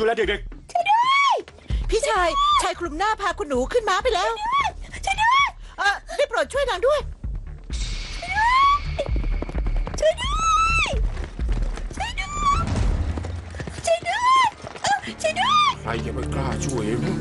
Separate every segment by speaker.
Speaker 1: ดูแลเด็ก
Speaker 2: พี่ชายคลุมหน้าพาคุณหนูขึ้นม้าไปแล้วช่วยด้วยได้โปรดช่วยนางด้วยช่วยด้วยช่วยด้วยช่วยด้วยช่วยด้วย
Speaker 3: ใครจะไม่กล้าช่วยนะ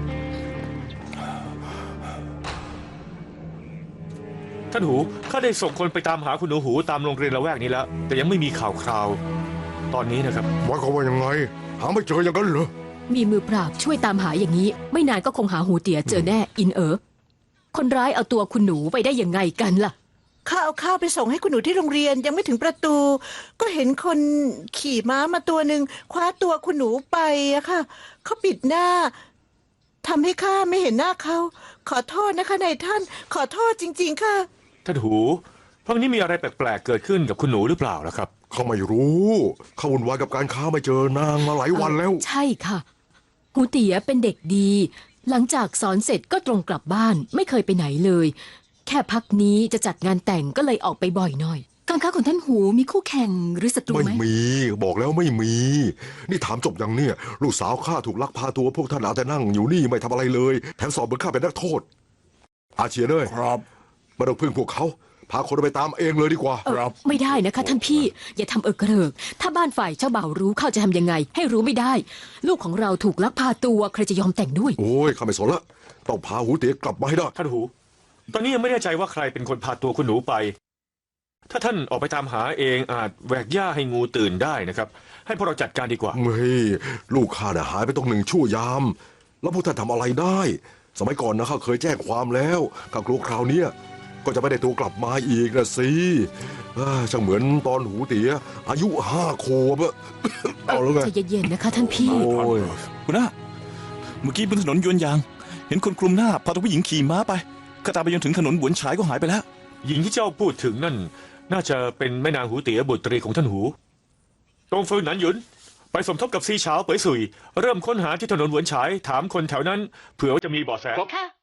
Speaker 1: ท่านหูข้าได้ส่งคนไปตามหาคุณหนูหูตามโรงเรียนละแวกนี้แล้วแต่ยังไม่มีข่าวคราวตอนนี้นะครับ
Speaker 3: หมายความว่ายังไงหาไม่เจออย่างนั้นเหรอ
Speaker 4: มีมือปราบช่วยตามหาอย่างนี้ ไม่นานก็คงหาหูเตี๋ยเจอแน่อินคนร้ายเอาตัวคุณหนูไปได้ยังไงกันล่ะ
Speaker 2: ข้าเอาข้าวไปส่งให้คุณหนูที่โรงเรียนยังไม่ถึงประตู ก็เห็นคนขี่ม้ามาตัวหนึ่งคว้าตัวคุณหนูไปอะค่ะเขาปิดหน้าทำให้ข้าไม่เห็นหน้าเขาขอโทษนะคะนายท่านขอโทษจริงๆค่ะ
Speaker 1: ท่านหูพักนี้มีอะไรแปลกๆเกิดขึ้นกับคุณหนูหรือเปล่าล่ะครับ
Speaker 3: เขาไม่รู้เขาวุ่นวายกับการค้าไม่เจอนางมาหลายวันแล้ว
Speaker 4: ใช่ค่ะหูเตี๋ยเป็นเด็กดี หลังจากสอนเสร็จก็ตรงกลับบ้านไม่เคยไปไหนเลย แค่พักนี้จะจัดงานแต่งก็เลยออกไปบ่อยหน่อย การค้าของท่านหูมีคู่แข่งหรือศัตรู
Speaker 3: ไม่
Speaker 4: ไหม
Speaker 3: มีบอกแล้วไม่มี นี่ถามจบยังเนี่ย ลูกสาวข้าถูกลักพาตัวพวกท่านเอาแต่นั่งอยู่นี่ไม่ทำอะไรเลยแถมสอบเหมือนข้าเป็นนักโทษ อาเชียเนย
Speaker 5: ครับ
Speaker 3: ไม่ต้องพึ่งพวกเขาพาคนไปตามเองเลยดีกว่า
Speaker 5: ครับ
Speaker 4: ไม่ได้นะคะท่านพี่อย่าทำเกริกถ้าบ้านฝ่ายเจ้าบ่าวรู้เขาจะทำยังไง ให้รู้ไม่ได้ ลูกของเราถูกลักพาตัวใครจะยอมแต่งด้วย
Speaker 3: โอ้ยข้าไม่สนละต้องพาหูเตี๋ยกลับมาให้ได้
Speaker 1: ท่านหู ตอนนี้ยังไม่แน่ใจว่าใครเป็นคนพาตัวคุณหนูไป ถ้าท่านออกไปตามหาเองอาจแหวกหญ้าให้งูตื่นได้นะครับ ให้พวกเราจัดการดีกว่า
Speaker 3: เฮ้ยลูกข้าน่ะหายไปต้อง1 ชั่วยาม แล้วพวกท่านทำอะไรได้ สมัยก่อนนะข้าเคยแจ้งความแล้วข้ากลัวคราวเนี้ยก็จะไม่ได้ตัวกลับมาอีกนะสิช่างเหมือนตอนหูเตี๋ยอายุ5 ขวบอะ เอาแล้วไง
Speaker 4: ใจเย็นๆนะคะท่านพี่
Speaker 3: โอ้ย
Speaker 5: คุณน้าเมื่อกี้บนถนนยวนยาง เห็นคนคลุมหน้าพาตัวผู้หญิงขี่ม้าไปก็ตามไปจนถึงถนนหวนฉายก็หายไปแล้ว
Speaker 1: หญิงที่เจ้าพูดถึงนั่น น่าจะเป็นแม่นางหูเตี๋ยบุตรีของท่านหู ตรงฟืนหนันหยุน ไปสมทบกับซีเฉาเป๋ยสุย เริ่มค้นหาที่ถนนหวนฉายถามคนแถวนั้น เผื่อว่าจะมีเบาะแส
Speaker 2: ค่ะ